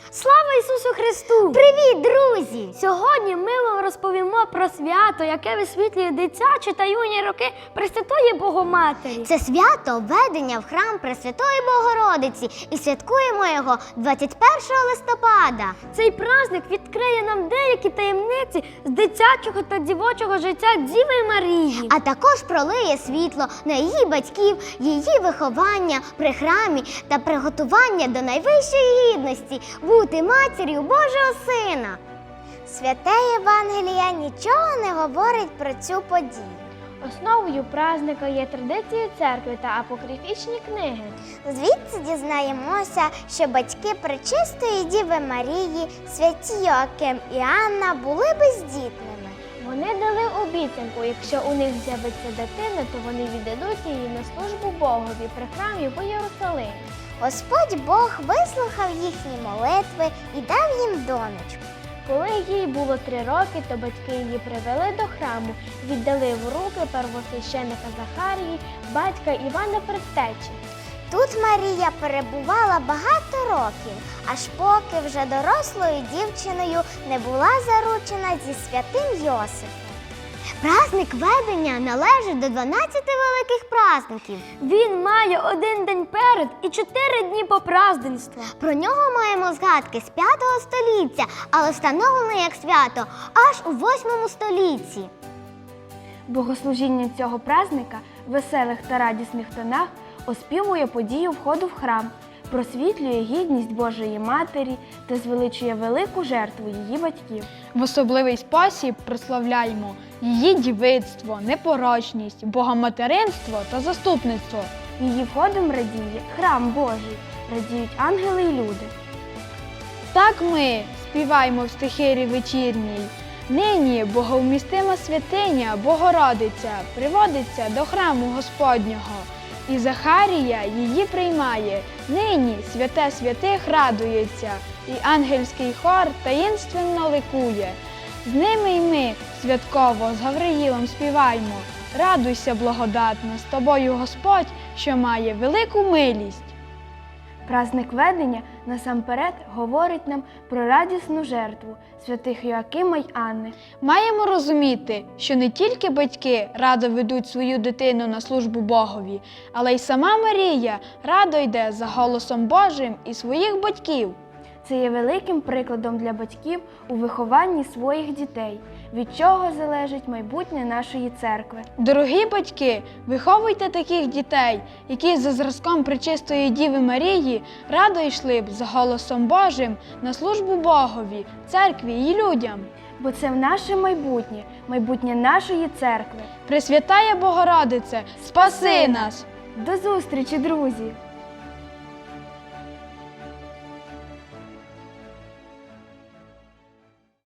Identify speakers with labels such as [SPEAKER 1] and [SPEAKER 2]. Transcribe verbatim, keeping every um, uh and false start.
[SPEAKER 1] Слава Ісусу Христу!
[SPEAKER 2] Привіт, друзі!
[SPEAKER 1] Сьогодні ми вам розповімо про свято, яке висвітлює дитячі та юні роки Пресвятої Богоматері.
[SPEAKER 2] Це свято введення в храм Пресвятої Богородиці і святкуємо його двадцять першого листопада.
[SPEAKER 1] Цей праздник відкриє нам деякі таємниці з дитячого та дівочого життя Діви Марії.
[SPEAKER 2] А також пролиє світло на її батьків, її виховання при храмі та приготування до найвищої гідності – бути матір'ю Божого Сина. Святе Євангелія нічого не говорить про цю подію.
[SPEAKER 1] Основою праздника є традиції церкви та апокрифічні книги.
[SPEAKER 2] Звідси дізнаємося, що батьки Пречистої Діви Марії, святі Йоаким і Анна, були бездітними.
[SPEAKER 1] Вони дали обіцянку, якщо у них з'явиться дитина, то вони віддадуть її на службу Богові при храмі в Єрусалимі.
[SPEAKER 2] Господь Бог вислухав їхні молитви і дав їм донечку.
[SPEAKER 1] Коли їй було три роки, то батьки її привели до храму, віддали в руки первосвященика Захарії, батька Івана Предтечі.
[SPEAKER 2] Тут Марія перебувала багато років, аж поки вже дорослою дівчиною не була заручена зі святим Йосифом. Праздник ведення належить до дванадцяти великих праздників.
[SPEAKER 1] Він має один день перед і чотири дні по праздненства.
[SPEAKER 2] Про нього маємо згадки з п'ятого століття, але встановлений як свято аж у восьмому столітті.
[SPEAKER 1] Богослужіння цього праздника в веселих та радісних тонах оспівує подію входу в храм, просвітлює гідність Божої Матері та звеличує велику жертву її батьків.
[SPEAKER 3] В особливий спосіб прославляємо її дівицтво, непорочність, богоматеринство та заступництво.
[SPEAKER 1] Її входом радіє храм Божий, радіють ангели й люди.
[SPEAKER 3] Так ми співаємо в стихирі вечірній. Нині боговмістима святиня Богородиця приводиться до храму Господнього. І Захарія її приймає, нині святе святих радується, і ангельський хор таїнственно ликує. З ними й ми святково з Гавриїлом співаймо. Радуйся, благодатна, з тобою Господь, що має велику милість.
[SPEAKER 1] Праздник ведення насамперед говорить нам про радісну жертву святих Йоакима й Анни.
[SPEAKER 3] Маємо розуміти, що не тільки батьки радо ведуть свою дитину на службу Богові, але й сама Марія радо йде за голосом Божим і своїх батьків.
[SPEAKER 1] Це є великим прикладом для батьків у вихованні своїх дітей, від чого залежить майбутнє нашої церкви.
[SPEAKER 3] Дорогі батьки, виховуйте таких дітей, які за зразком Пречистої Діви Марії радо йшли б за голосом Божим на службу Богові, церкві і людям.
[SPEAKER 1] Бо це наше майбутнє, майбутнє нашої церкви.
[SPEAKER 3] Пресвятая Богородице, спаси нас!
[SPEAKER 1] До зустрічі, друзі!